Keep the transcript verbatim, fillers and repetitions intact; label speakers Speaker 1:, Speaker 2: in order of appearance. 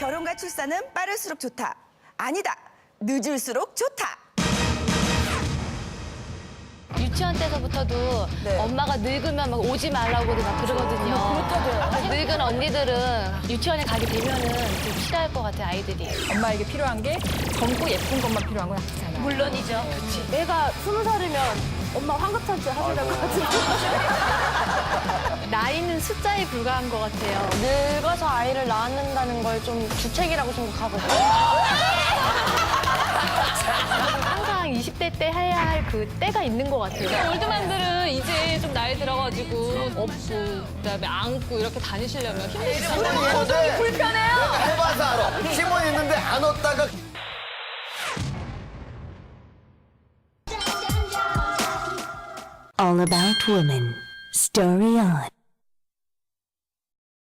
Speaker 1: 결혼과 출산은 빠를수록 좋다. 아니다. 늦을수록 좋다.
Speaker 2: 유치원 때서부터도
Speaker 1: 네.
Speaker 2: 엄마가 늙으면 막 오지 말라고 막 그러거든요. 그렇다고요. 늙은 언니들은 유치원에 가게 되면은 좀 싫어할 것 같아요, 아이들이.
Speaker 3: 엄마에게 필요한 게 젊고 예쁜 것만 필요한 건 아니잖아.
Speaker 2: 물론이죠. 그렇지.
Speaker 4: 내가 스무 살이면 엄마 환갑잔치 하셔야 될 것 같은데.
Speaker 2: 나이는 숫자에 불과한 것 같아요.
Speaker 4: 늙어서 아이를 낳는다는 걸 좀 주책이라고 생각하거든요.
Speaker 2: 항상 이십 대 때 해야 할 그 때가 있는 것 같아요.
Speaker 5: 올드만들은 이제 좀 나이 들어가지고 업고 그다음에 안고 이렇게 다니시려면 힘드시죠.
Speaker 6: 힘이 불편해요. 내가 해봐서 알아. 힘은 있는데 안 얻다가.
Speaker 7: All About Women. Story On.